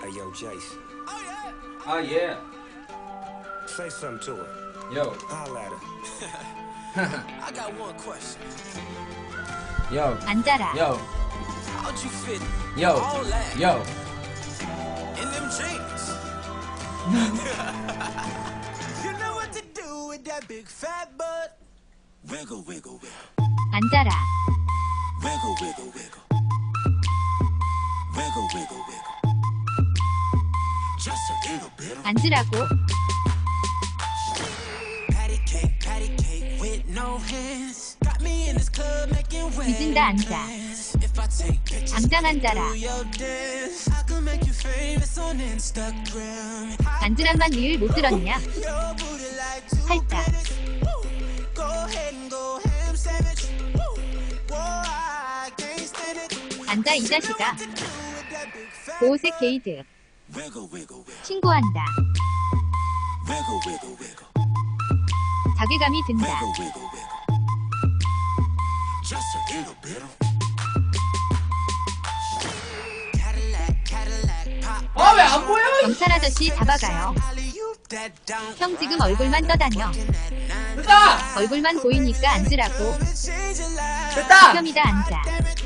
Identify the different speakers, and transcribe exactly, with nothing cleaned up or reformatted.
Speaker 1: Hey, yo, Jace.
Speaker 2: Oh yeah.
Speaker 1: Say something to her.
Speaker 2: Yo.
Speaker 1: Holla at her. I got one question.
Speaker 2: Yo.
Speaker 3: 앉아라.
Speaker 2: Yo.
Speaker 1: How'd you fit
Speaker 2: Yo.
Speaker 1: all that
Speaker 2: Yo.
Speaker 1: in them jeans? You know what to do with that big fat butt. Wiggle, wiggle, wiggle.
Speaker 3: 앉아라.
Speaker 1: Wiggle, wiggle, wiggle. Wiggle, wiggle, wiggle. Just a little bit.
Speaker 3: 앉으라고.
Speaker 1: Patty cake, patty cake with no hands. Got me in this club making waves.
Speaker 3: 뒤진다 앉아.
Speaker 1: If I take pictures
Speaker 3: 당장 앉아라.
Speaker 1: through your dance, I can make you famous on Instagram.
Speaker 3: 앉으란만 늘 못 들었냐?
Speaker 1: Your booty like two
Speaker 3: 팔자.
Speaker 1: pennies. Go ahead and go ham sandwich. Whoa, I can't stand it.
Speaker 3: 앉아 이 자식아.
Speaker 1: Do with that big fat
Speaker 3: 보호색 게이드.
Speaker 1: wiggle, wiggle, wiggle.
Speaker 3: 신고한다.
Speaker 1: Wiggle, wiggle, wiggle.
Speaker 3: 자괴감이 든다.
Speaker 1: Wiggle, wiggle, wiggle. Just a little bit. Cadillac, Cadillac, pop.
Speaker 2: 아 왜 안 보여?
Speaker 3: 경찰 아저씨 잡아가요.
Speaker 1: Alley-oop that down.
Speaker 3: 형 지금 얼굴만 떠다녀.
Speaker 2: 됐다.
Speaker 3: 얼굴만 보이니까 앉으라고.
Speaker 1: Change your life.
Speaker 2: 됐다.
Speaker 3: 혐이다 앉아.